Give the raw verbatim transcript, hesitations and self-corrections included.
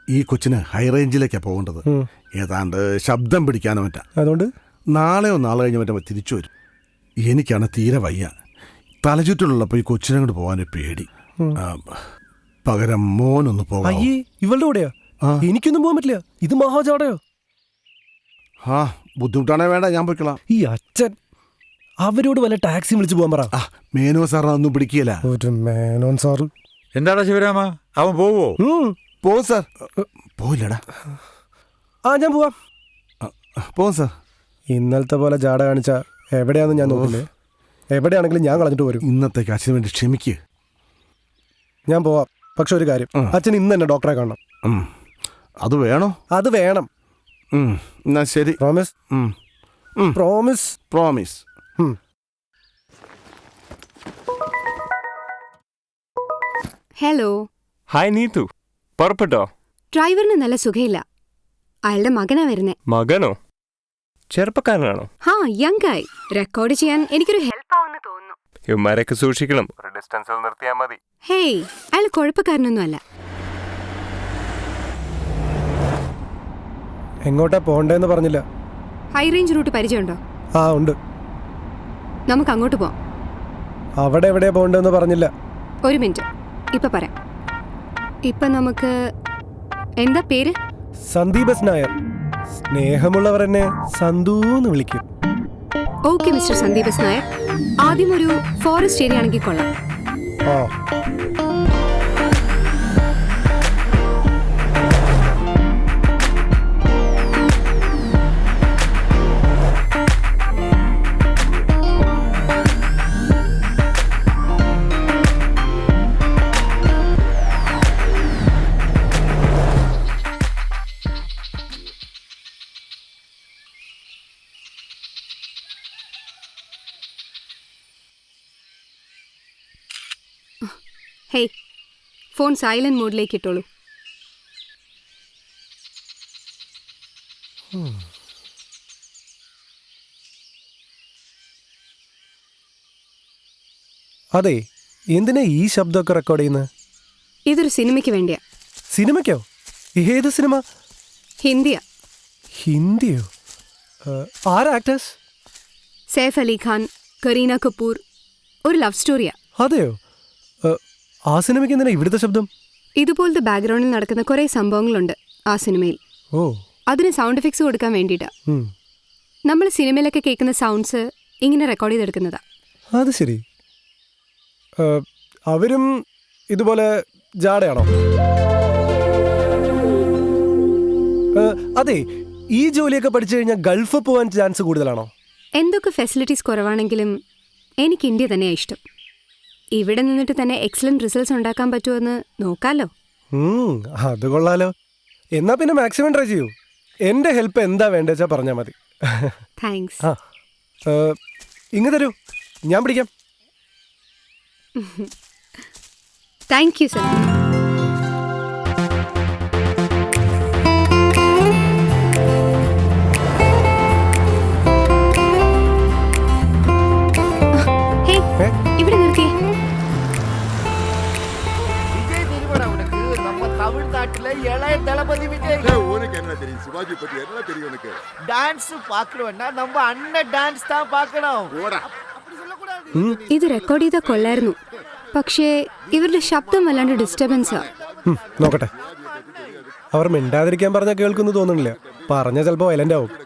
ഈ കൊച്ചിന് ഹൈ റേഞ്ചിലേക്കാണ് പോകേണ്ടത്. ഏതാണ്ട് ശബ്ദം പിടിക്കാനോ മറ്റാ. അതുകൊണ്ട് നാളെയോ നാളെ കഴിഞ്ഞ് മറ്റോ തിരിച്ചു വരും. എനിക്കാണ് തീരെ വയ്യ. തലചുറ്റിലുള്ളപ്പോൾ ഈ കൊച്ചിനെ കൊണ്ട് പോകാനൊരു പേടി. പകരം മോനൊന്ന് പോകാം. അയ്യേ, ഇവളുടെ കൂടെയാ? എനിക്കൊന്നും പോകാൻ പറ്റില്ല. ഇത് മഹാജാടയോ? ആ ബുദ്ധിമുട്ടാണേ വേണ്ട, ഞാൻ പോയിക്കളാം. ഈ അച്ഛൻ അവരോട് വല്ല ടാക്സി വിളിച്ചു പോകാൻ പറ. മേനോ സാർ അതൊന്നും പിടിക്കില്ല. ഒരു മേനോൻ സാറ്. എന്താടാ ശിവരാമ, അവൻ പോവോ? പോവും സാർ. പോയില്ലടാ. ആ ഞാൻ പോവാം. പോവും സാർ. ഇന്നലത്തെ പോലെ ജാട കാണിച്ച എവിടെയാണെന്ന് ഞാൻ നോക്കില്ലേ. എവിടെയാണെങ്കിലും ഞാൻ കളഞ്ഞിട്ട് വരും. ഇന്നത്തേക്ക് അച്ഛന് വേണ്ടി ക്ഷമിക്കുക. ഞാൻ പോവാം. പക്ഷെ ഒരു കാര്യം, അച്ഛൻ ഇന്ന് തന്നെ ഡോക്ടറെ കാണണം. അത് വേണോ? അത് വേണം. എന്നാ ശരി. Promise? Promise. Promise. Hello. Hi Neethu, പുറപ്പെട്ടോ? ഡ്രൈവറിന് നല്ല സുഖയില്ല. അയാളുടെ മകനാ വരുന്നേ. മകനോ? ചെറുപ്പക്കാരനാണോ? ഹാ, യങ് ആയി. റെക്കോർഡ് ചെയ്യാൻ എനിക്കൊരു ഹെൽപ്പ് ആവുമെന്ന് തോന്നുന്നു. ഇവന്മാരൊക്കെ സൂക്ഷിക്കണം. ഡിസ്റ്റൻസിൽ നിർത്തിയാൽ മതി. ഹേയ്, അയാൾ കുഴപ്പക്കാരനൊന്നും അല്ല. എങ്ങോട്ടാ പോണ്ടേന്ന് പറഞ്ഞില്ല. ഹൈ റേഞ്ച് റൂട്ട് പരിചയമുണ്ടോ? ആ ഉണ്ട്. നമുക്ക് അങ്ങോട്ട് പോവാം. അവിടെ എവിടെയാ പോണ്ടെന്ന് പറഞ്ഞില്ല. ഒരു മിനിറ്റ്, ഇപ്പൊ പറയാം. ഇപ്പൊ നമുക്ക് എന്താ പേര്? സന്ദീപ് എസ് നായർ. സ്നേഹമുള്ളവർ എന്നെ സന്ദൂന്ന് വിളിക്കും. Okay mister Sandeep S Nair. ആദ്യം ഒരു ഫോറസ്റ്റ് ഏരിയ ആണെങ്കിൽ കൊള്ളാം. ആ ഹേയ്, ഫോൺ സൈലന്റ് മോഡിലേക്ക് ഇട്ടോളൂ. അതെ, എന്തിനാ ഈ ശബ്ദമൊക്കെ റെക്കോർഡ് ചെയ്യുന്നത്? ഇതൊരു സിനിമയ്ക്ക് വേണ്ടിയാ. സിനിമയ്ക്കോ? ഏത് സിനിമ? ഹിന്ദിയാ. ഹിന്ദിയോ? ആരാ ആക്ടേഴ്സ്? സൈഫ് അലി ഖാൻ, കരീന കപൂർ. ഒരു ലവ് സ്റ്റോറിയാ. അതെയോ? ആ സിനിമയ്ക്ക് എന്തിനാ ഇവിടുത്തെ ശബ്ദം? ഇതുപോലത്തെ ബാക്ക്ഗ്രൗണ്ടിൽ നടക്കുന്ന കുറേ സംഭവങ്ങളുണ്ട് ആ സിനിമയിൽ. ഓ, അതിന് സൗണ്ട് എഫക്ട്സ് കൊടുക്കാൻ വേണ്ടിയിട്ടാ. നമ്മൾ സിനിമയിലൊക്കെ കേൾക്കുന്ന സൗണ്ട്സ് ഇങ്ങനെ റെക്കോർഡ് ചെയ്തെടുക്കുന്നതാ. അത് ശരി. അവരും ഇതുപോലെ ജാടയാണോ? അതെ, ഈ ജോലിയൊക്കെ പഠിച്ചു കഴിഞ്ഞാൽ ഗൾഫ് പോകാൻ ചാൻസ് കൂടുതലാണോ? എന്തൊക്കെ ഫെസിലിറ്റീസ് കുറവാണെങ്കിലും എനിക്ക് ഇന്ത്യ തന്നെയാണ് ഇഷ്ടം. ഇവിടെ നിന്നിട്ട് തന്നെ എക്സലന്റ് റിസൾട്ട്സ് ഉണ്ടാക്കാൻ പറ്റുമെന്ന് നോക്കാലോ. അത് കൊള്ളാലോ. എന്നാ പിന്നെ മാക്സിമം ട്രൈ ചെയ്യൂ. എൻ്റെ ഹെൽപ്പ് എന്താ വേണ്ടേച്ചാ പറഞ്ഞാൽ മതി. താങ്ക്സ്. ആ ഇങ്ങ് തരൂ, ഞാൻ പിടിക്കാം. Thank you sir. ഇവിടെ നിർത്തിയേ. தமிழ்நாட்டுல இளைய தளபதி விஜய். உனக்கு என்ன தெரியும் சிவாஜி பத்தி? என்ன தெரியும் உனக்கு? டான்ஸ் பார்க்கணும்னா நம்ம அண்ணன் டான்ஸ் தான் பார்க்கணும். அப்படி சொல்ல கூடாது. ഇത് റെക്കോർഡ് ചെയ്താൽ കൊള്ളായിരുന്നു. പക്ഷേ ഇവരുടെ ശബ്ദം വല്ലാണ്ട് ഡിസ്റ്റർബൻസാ. നോക്കട്ടെ. അവർ മിണ്ടാതിരിക്കാൻ പറഞ്ഞാൽ കേൾക്കുന്നു തോന്നുന്നില്ല. പറഞ്ഞ ചിലപ്പോൾ വയലന്റ് ആവും.